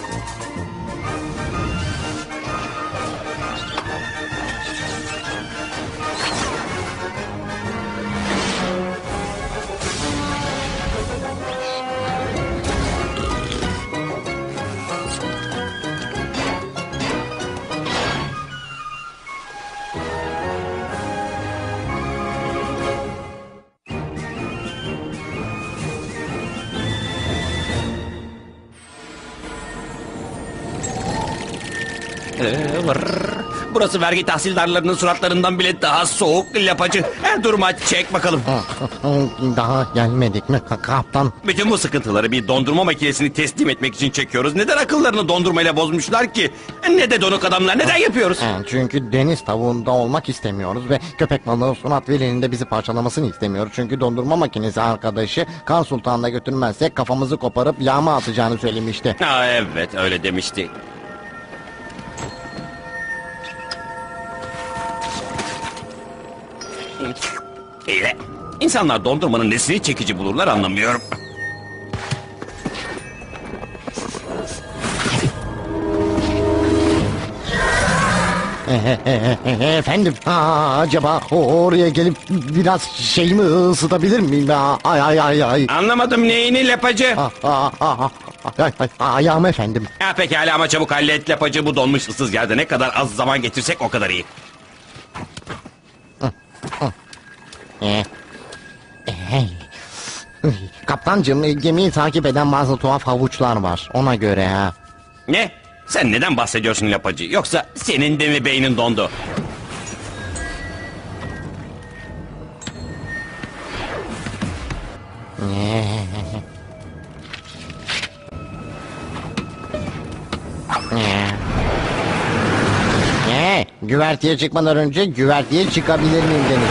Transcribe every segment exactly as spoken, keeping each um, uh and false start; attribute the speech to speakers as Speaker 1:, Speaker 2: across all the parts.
Speaker 1: Ee, vır. Burası vergi tahsildarlarının suratlarından bile daha soğuk lapacı. Her duruma çek bakalım.
Speaker 2: Daha gelmedik mi kaptan?
Speaker 1: Bütün bu sıkıntıları bir dondurma makinesini teslim etmek için çekiyoruz. Neden akıllarını dondurmayla bozmuşlar ki? Ne de donuk adamlar, neden yapıyoruz?
Speaker 2: Çünkü deniz tavuğunda olmak istemiyoruz ve köpek balığı Sunat Veli'nin de bizi parçalamasını istemiyoruz. Çünkü dondurma makinesi arkadaşı Kan Sultan'da götürmezsek kafamızı koparıp yağma atacağını söylemişti.
Speaker 1: Aa, evet öyle demişti. İyi. İnsanlar dondurmanın nesini çekici bulurlar anlamıyorum.
Speaker 2: Efendim, aa, acaba oraya gelip biraz şeyimi ısıtabilir miyim? Ay ay ay ay.
Speaker 1: Anlamadım neyini lapacı?
Speaker 2: Aa, aa, aa, ay, ay, ayağım efendim.
Speaker 1: Ha, pekala ama çabuk hallet lapacı, bu donmuş ıssız yerde ne kadar az zaman getirsek o kadar iyi.
Speaker 2: Ee, hey. Kaptancığım, gemiyi takip eden bazı tuhaf havuçlar var, ona göre ha.
Speaker 1: Ne? Sen neden bahsediyorsun lapacı? Yoksa senin de mi beynin dondu?
Speaker 2: Ee, güverteye çıkmadan önce güverteye çıkabilir miyim demiş.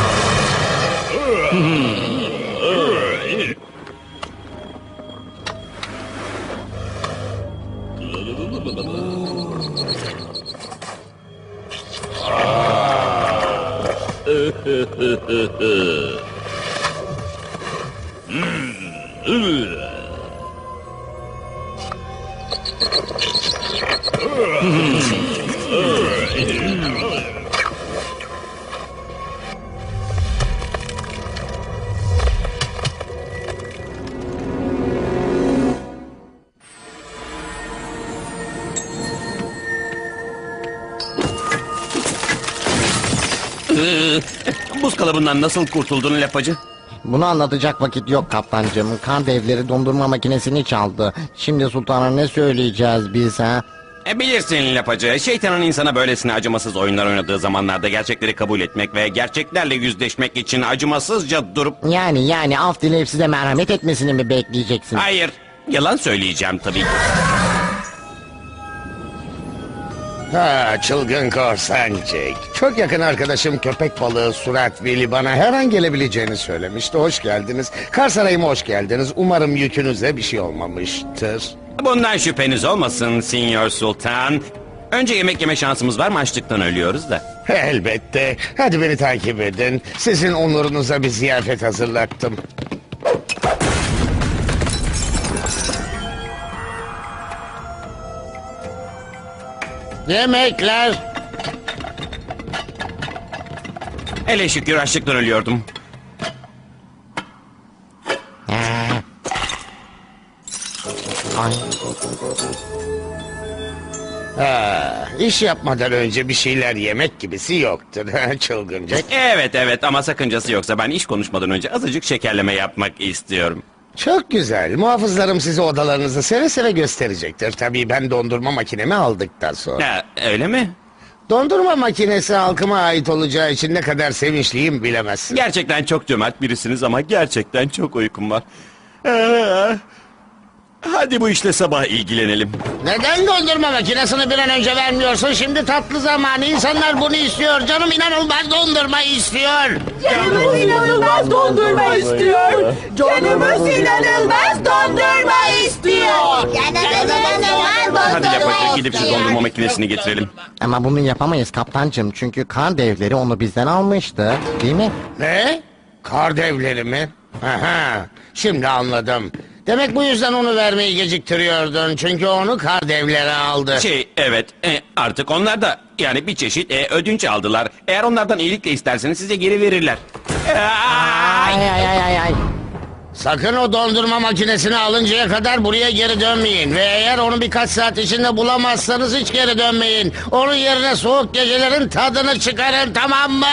Speaker 1: Buz kalıbından nasıl kurtuldun lapacı?
Speaker 2: Bunu anlatacak vakit yok kaptancığım. Kan devleri dondurma makinesini çaldı. Şimdi sultana ne söyleyeceğiz biz ha?
Speaker 1: E bilirsin lapacı, şeytanın insana böylesine acımasız oyunlar oynadığı zamanlarda gerçekleri kabul etmek ve gerçeklerle yüzleşmek için acımasızca durup...
Speaker 2: Yani yani af dileyip size merhamet etmesini mi bekleyeceksin?
Speaker 1: Hayır, yalan söyleyeceğim tabii ki.
Speaker 3: Ha, çılgın korsan Jack. Çok yakın arkadaşım köpek balığı Surat Veli bana her an gelebileceğini söylemişti. Hoş geldiniz. Kar Sarayı'ma hoş geldiniz. Umarım yükünüze bir şey olmamıştır.
Speaker 1: Bundan şüpheniz olmasın Sinyor Sultan. Önce yemek yeme şansımız var mı? Açlıktan ölüyoruz da.
Speaker 3: Elbette. Hadi beni takip edin. Sizin onurunuza bir ziyafet hazırlattım.
Speaker 2: Yemekler.
Speaker 1: Hele şükür açlıktan ölüyordum.
Speaker 2: Ay.
Speaker 3: Ha, iş yapmadan önce bir şeyler yemek gibisi yoktur. Çılgın Jack.
Speaker 1: Evet evet ama sakıncası yoksa ben iş konuşmadan önce azıcık şekerleme yapmak istiyorum.
Speaker 3: Çok güzel. Muhafızlarım size odalarınızı seve seve gösterecektir. Tabii ben dondurma makinemi aldıktan sonra.
Speaker 1: Ha, öyle mi?
Speaker 3: Dondurma makinesi halkıma ait olacağı için ne kadar sevinçliyim bilemezsin.
Speaker 1: Gerçekten çok cömert birisiniz ama gerçekten çok uykum var. Ee, hadi bu işle sabah ilgilenelim.
Speaker 3: Neden dondurma makinesini bir an önce vermiyorsun? Şimdi tatlı zamanı. İnsanlar bunu istiyor. Canım inanılmaz dondurma istiyor.
Speaker 4: Canımız inanılmaz dondurma istiyor. Canımız inanılmaz dondurma istiyor.
Speaker 5: Canımız inanılmaz
Speaker 1: Hadi
Speaker 5: dondurma
Speaker 1: yapacak gidip şu
Speaker 5: istiyor.
Speaker 1: dondurma makinesini getirelim.
Speaker 2: Ama bunu yapamayız kaptancığım. Çünkü kan devleri onu bizden almıştı. Değil mi?
Speaker 3: Ne? Kar devleri mi? Aha, şimdi anladım. Demek bu yüzden onu vermeyi geciktiriyordun. Çünkü onu kar devleri aldı.
Speaker 1: Şey evet e, artık onlar da yani bir çeşit e, ödünç aldılar. Eğer onlardan iyilikle isterseniz size geri verirler. Ay!
Speaker 2: Ay ay ay ay ay.
Speaker 3: Sakın o dondurma makinesini alıncaya kadar buraya geri dönmeyin. Ve eğer onu birkaç saat içinde bulamazsanız hiç geri dönmeyin. Onun yerine soğuk gecelerin tadını çıkarın, tamam mı?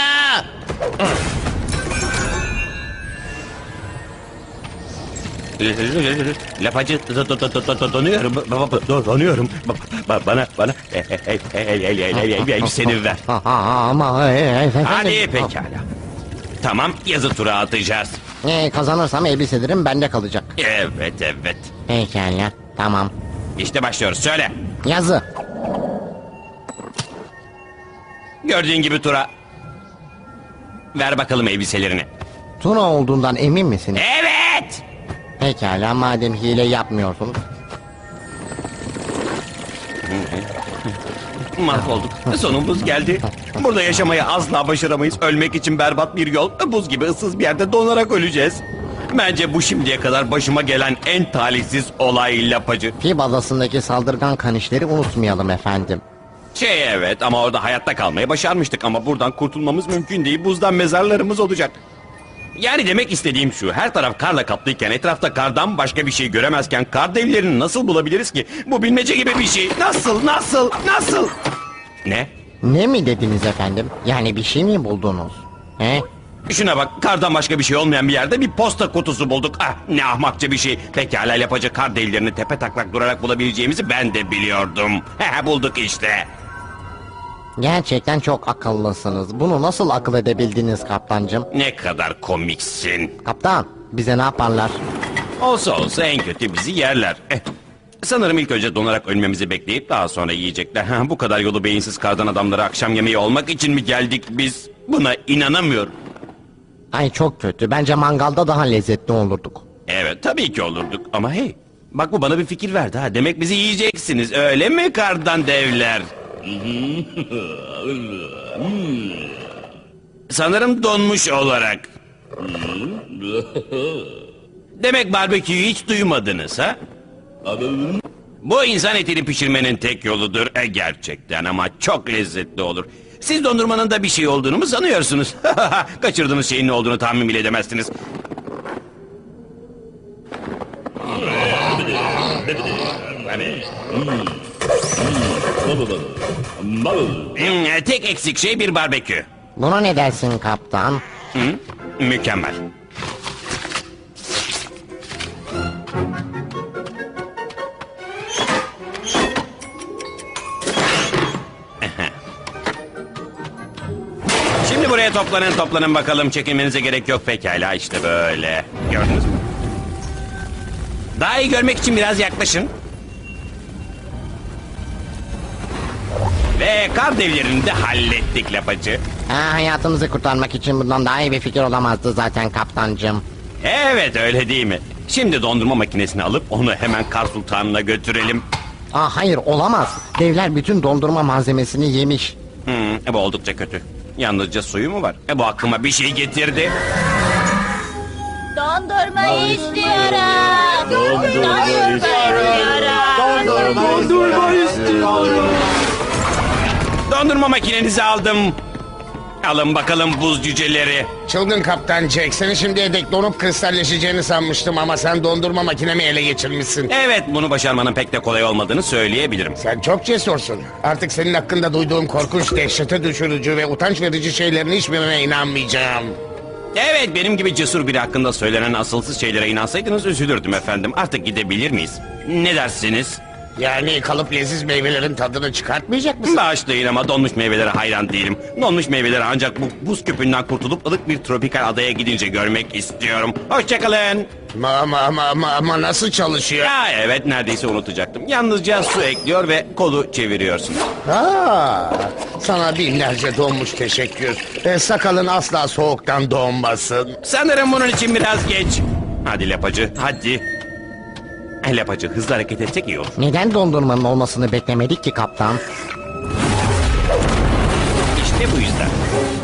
Speaker 1: Lapacı do- do- do- do- do- donuyorum. Ba- ba- do- Donuyorum. Ba- ba- Bana bana el el el el el el el elbiseni ver.
Speaker 2: Ha, ha, ama e, e, efendim.
Speaker 1: Hadi pekala. Tamam yazı tura atacağız.
Speaker 2: E, kazanırsam elbiselerim bende kalacak.
Speaker 1: Evet evet.
Speaker 2: Pekala tamam.
Speaker 1: İşte başlıyoruz. Söyle.
Speaker 2: Yazı.
Speaker 1: Gördüğün gibi tura. Ver bakalım elbiselerini.
Speaker 2: Tuna olduğundan emin misiniz?
Speaker 1: Evet.
Speaker 2: Pekala madem hile yapmıyorsunuz.
Speaker 1: Mahvolduk. Sonumuz geldi. Burada yaşamayı asla başaramayız. Ölmek için berbat bir yol. Buz gibi ıssız bir yerde donarak öleceğiz. Bence bu şimdiye kadar başıma gelen en talihsiz olay Lapacı.
Speaker 2: Fib adasındaki saldırgan kanişleri unutmayalım efendim.
Speaker 1: Şey evet ama orada hayatta kalmayı başarmıştık ama buradan kurtulmamız mümkün değil. Buzdan mezarlarımız olacak. Yani demek istediğim şu, her taraf karla kaplıyken, etrafta kardan başka bir şey göremezken kar devlerini nasıl bulabiliriz ki? Bu bilmece gibi bir şey. Nasıl, nasıl, nasıl? Ne?
Speaker 2: Ne mi dediniz efendim? Yani bir şey mi buldunuz? He?
Speaker 1: Şuna bak, kardan başka bir şey olmayan bir yerde bir posta kutusu bulduk. Ah, ne ahmakça bir şey. Pekala yapacak kar devlerini tepe taklak durarak bulabileceğimizi ben de biliyordum. He bulduk işte.
Speaker 2: Gerçekten çok akıllısınız. Bunu nasıl akıl edebildiniz kaptancım?
Speaker 1: Ne kadar komiksin.
Speaker 2: Kaptan, bize ne yaparlar?
Speaker 1: Olsa olsa en kötü bizi yerler. Eh, sanırım ilk önce donarak ölmemizi bekleyip daha sonra yiyecekler. Ha, bu kadar yolu beyinsiz kardan adamlara akşam yemeği olmak için mi geldik biz? Buna inanamıyorum.
Speaker 2: Ay çok kötü. Bence mangalda daha lezzetli olurduk.
Speaker 1: Evet tabii ki olurduk ama hey. Bak bu bana bir fikir verdi ha. Demek bizi yiyeceksiniz öyle mi kardan devler? Sanırım donmuş olarak. Demek barbeküyü hiç duymadınız ha? Bu insan etini pişirmenin tek yoludur. E, gerçekten ama çok lezzetli olur. Siz dondurmanın da bir şey olduğunu mu sanıyorsunuz? Kaçırdığınız şeyin ne olduğunu tahmin bile edemezsiniz. Hmm, tek eksik şey bir barbekü.
Speaker 2: Buna ne dersin kaptan?
Speaker 1: Hı? Mükemmel. Şimdi buraya toplanın toplanın bakalım, çekinmenize gerek yok. Pekala işte böyle. Gördünüz mü? Daha iyi görmek için biraz yaklaşın. Ve kar devlerini de hallettik Lapacı.
Speaker 2: Ha, hayatımızı kurtarmak için bundan daha iyi bir fikir olamazdı zaten kaptancım.
Speaker 1: Evet öyle değil mi? Şimdi dondurma makinesini alıp onu hemen Kar Sultanı'na götürelim.
Speaker 2: Aa, hayır olamaz. Devler bütün dondurma malzemesini yemiş.
Speaker 1: Hmm, e, bu oldukça kötü. Yalnızca suyu mu var? E, bu aklıma bir şey getirdi.
Speaker 5: Dondurma istiyorum. Dondurma istiyorum.
Speaker 1: Dondurma makinenizi aldım. Alın bakalım buz cüceleri.
Speaker 3: Çılgın kaptan Jack, seni şimdiye dek donup kristalleşeceğini sanmıştım ama sen dondurma makinemi ele geçirmişsin.
Speaker 1: Evet bunu başarmanın pek de kolay olmadığını söyleyebilirim.
Speaker 3: Sen çok cesursun. Artık senin hakkında duyduğum korkunç, dehşete düşürücü ve utanç verici şeylerin hiçbirine inanmayacağım.
Speaker 1: Evet benim gibi cesur biri hakkında söylenen asılsız şeylere inansaydınız üzülürdüm efendim. Artık gidebilir miyiz? Ne dersiniz?
Speaker 3: Yani kalıp leziz meyvelerin tadını çıkartmayacak mısın?
Speaker 1: Bağışlayın ama donmuş meyvelere hayran değilim. Donmuş meyveleri ancak bu buz küpünden kurtulup ılık bir tropikal adaya gidince görmek istiyorum. Hoşçakalın.
Speaker 3: Ama, ama, ama, ama, ama nasıl çalışıyor?
Speaker 1: Ya evet neredeyse unutacaktım. Yalnızca su ekliyor ve kolu çeviriyorsun.
Speaker 3: Ha, sana binlerce donmuş teşekkür. E, sakalın asla soğuktan donmasın.
Speaker 1: Sanırım bunun için biraz geç. Hadi Lapacı hadi. Lapacı hızlı hareket etsek iyi olur.
Speaker 2: Neden dondurmanın olmasını beklemedik ki kaptan?
Speaker 1: İşte bu yüzden.